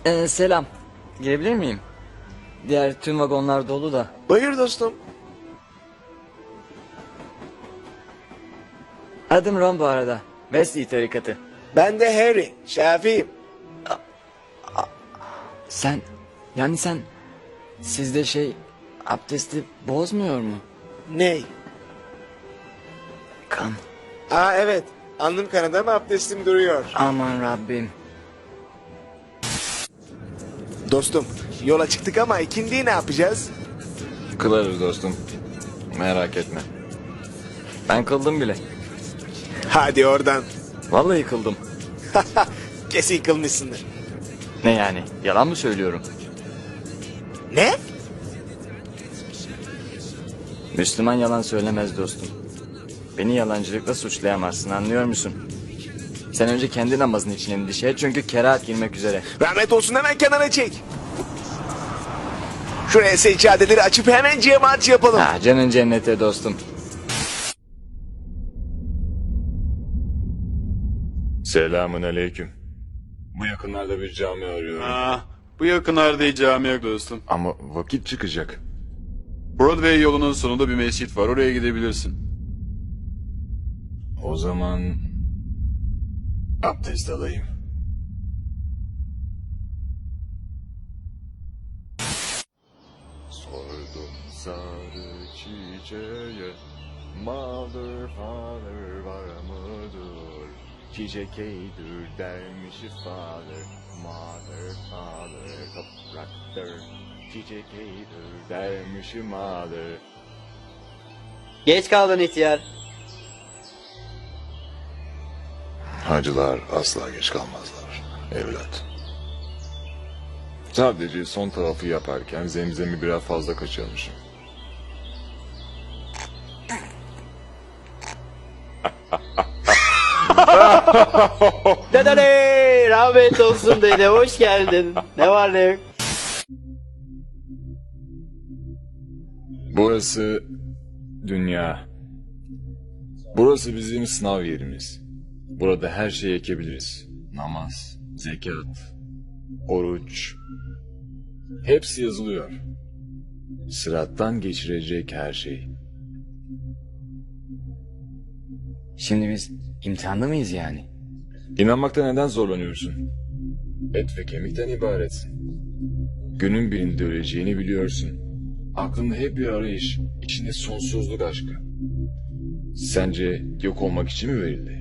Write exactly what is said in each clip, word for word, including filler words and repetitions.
Ee, selam. Girebilir miyim? Diğer tüm vagonlar dolu da. Buyur dostum. Adım Ron bu arada. Wesley tarikatı. Ben de Harry, Şafi'yim. Sen, yani sen, sizde şey, abdesti bozmuyor mu? Ney? Kan. Aa evet, alnım kanadı ama abdestim duruyor. Aman Rabbim. Dostum, yola çıktık ama ikindiyi ne yapacağız? Kılarız dostum. Merak etme. Ben kıldım bile. Hadi oradan. Vallahi kıldım. Kesin kılmışsındır. Ne yani? Yalan mı söylüyorum? Ne? Müslüman yalan söylemez dostum. Beni yalancılıkla suçlayamazsın, anlıyor musun? Sen önce kendi namazın için endişe et çünkü kerahat girmek üzere. Rahmet olsun, hemen kenara çek. Şuraya seccadeleri açıp hemen cemaat yapalım. Ha, canın cennete dostum. Selamun aleyküm. Bu yakınlarda bir cami arıyorum. Aa, bu yakınlarda hiç cami yok dostum. Ama vakit çıkacak. Broadway yolunun sonunda bir mescit var, oraya gidebilirsin. O zaman abdest alayım. Sordum sarı çiçeğe, mother father var mıdır? Çiçek eydir dermiş father, mother father topraktır. Çiçek eydir dermiş mother. Geç kaldın ihtiyar. Hacılar asla geç kalmazlar evlat. Sadece son tarafı yaparken zemzemi biraz fazla kaçırmışım. Dedene rahmet olsun dede, hoş geldin. Ne var ne yok? Burası dünya. Burası bizim sınav yerimiz. Burada her şeyi ekebiliriz. Namaz, zekat, oruç. Hepsi yazılıyor. Sırattan geçirecek her şey. Şimdi biz imtihanda mıyız yani? İnanmakta neden zorlanıyorsun? Et ve kemikten ibaret. Günün birinde öleceğini biliyorsun. Aklında hep bir arayış, içinde sonsuzluk aşkı. Sence yok olmak için mi verildi?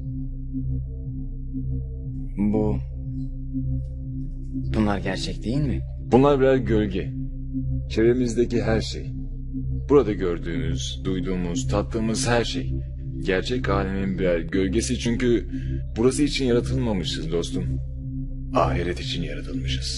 Bu... Bunlar gerçek değil mi? Bunlar birer gölge. Çevremizdeki her şey. Burada gördüğümüz, duyduğumuz, tattığımız her şey. Gerçek alemin birer gölgesi çünkü burası için yaratılmamışız dostum. Ahiret için yaratılmışız.